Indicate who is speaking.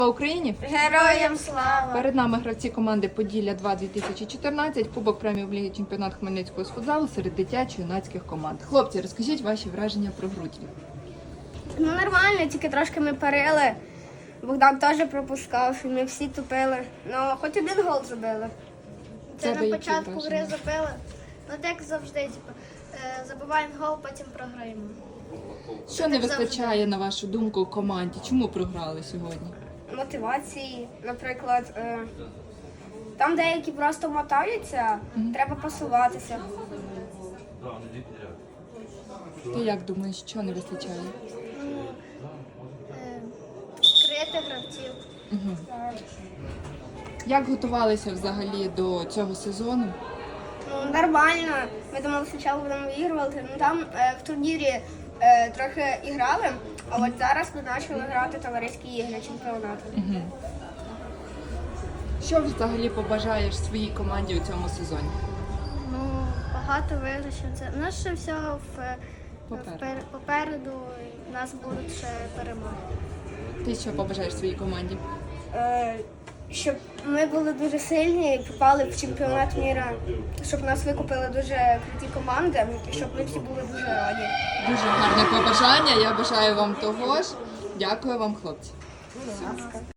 Speaker 1: Слава Україні!
Speaker 2: Героям слава!
Speaker 1: Перед нами гравці команди Поділля-2 2014, Кубок преміум Ліги Чемпіонат Хмельницького з футзалу серед дитячо-юнацьких команд. Хлопці, розкажіть ваші враження про гру.
Speaker 2: Ну нормально, тільки трошки ми парили. Богдан теж пропускав, і ми всі тупили. Ну, хоч один гол забили.
Speaker 3: Це
Speaker 1: Тебе
Speaker 3: на
Speaker 1: які
Speaker 3: початку
Speaker 1: враження?
Speaker 3: гри забили. Ну, як завжди, забиваємо гол, потім програємо.
Speaker 1: Що не вистачає, на вашу думку, команді? Чому програли сьогодні?
Speaker 2: Мотивації, наприклад, там деякі просто мотаються, треба пасуватися.
Speaker 1: Ти як думаєш, що не вистачає?
Speaker 3: Крити гравців.
Speaker 1: Як готувалися взагалі до цього сезону?
Speaker 2: Ну, нормально. Ми думали, спочатку будемо вигравати. Ну там в турнірі трохи і грали, а от зараз ми почали грати товариські ігри чемпіонату.
Speaker 1: Що взагалі побажаєш своїй команді у цьому сезоні?
Speaker 3: Ну, багато виграшів. У нас ще всього попереду, і в нас будуть ще перемоги.
Speaker 1: Ти що побажаєш своїй команді?
Speaker 2: Щоб ми були дуже сильні і попали в чемпіонат міра, щоб нас викупили дуже круті команди, і щоб ми всі були дуже раді.
Speaker 1: Дуже гарне побажання, я бажаю вам того ж. Дякую вам, хлопці.